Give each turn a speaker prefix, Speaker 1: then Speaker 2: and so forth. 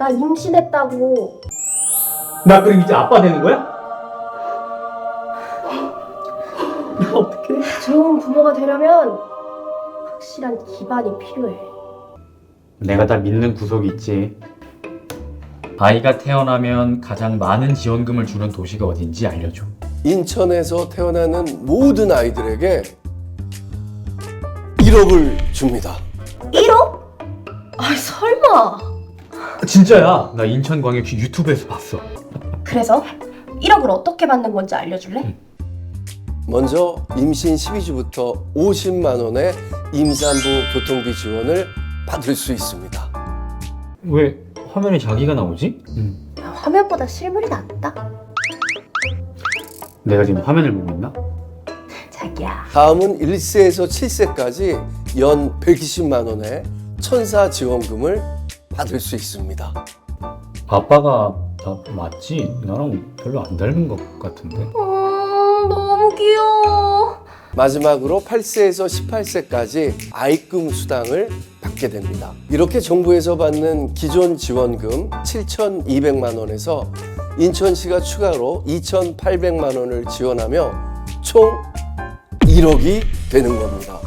Speaker 1: 나 임신했다고.
Speaker 2: 나 그럼 이제 아빠 되는 거야? 나 어떡해?
Speaker 1: 좋은 부모가 되려면 확실한 기반이 필요해.
Speaker 2: 내가 다 믿는 구석이 있지. 아이가 태어나면 가장 많은 지원금을 주는 도시가 어딘지 알려줘.
Speaker 3: 인천에서 태어나는 모든 아이들에게 1억을 줍니다.
Speaker 1: 1억? 아 설마.
Speaker 2: 진짜야. 나 인천광역시 유튜브에서 봤어.
Speaker 1: 그래서 1억을 어떻게 받는 건지 알려줄래?
Speaker 3: 먼저 임신 12주부터 50만 원의 임산부 교통비 지원을 받을 수 있습니다.
Speaker 2: 왜 화면에 자기가 나오지?
Speaker 1: 화면보다 실물이 낫다.
Speaker 2: 내가 지금 화면을 보고 있나?
Speaker 1: 자기야.
Speaker 3: 다음은 1세에서 7세까지 연 120만 원의 천사 지원금을 받을 수 있습니다.
Speaker 2: 아빠가 나 맞지? 나랑 별로 안 닮은 것 같은데.
Speaker 1: 너무 귀여워.
Speaker 3: 마지막으로 8세에서 18세까지 아이금 수당을 받게 됩니다. 이렇게 정부에서 받는 기존 지원금 7,200만 원에서 인천시가 추가로 2,800만 원을 지원하며 총 1억이 되는 겁니다.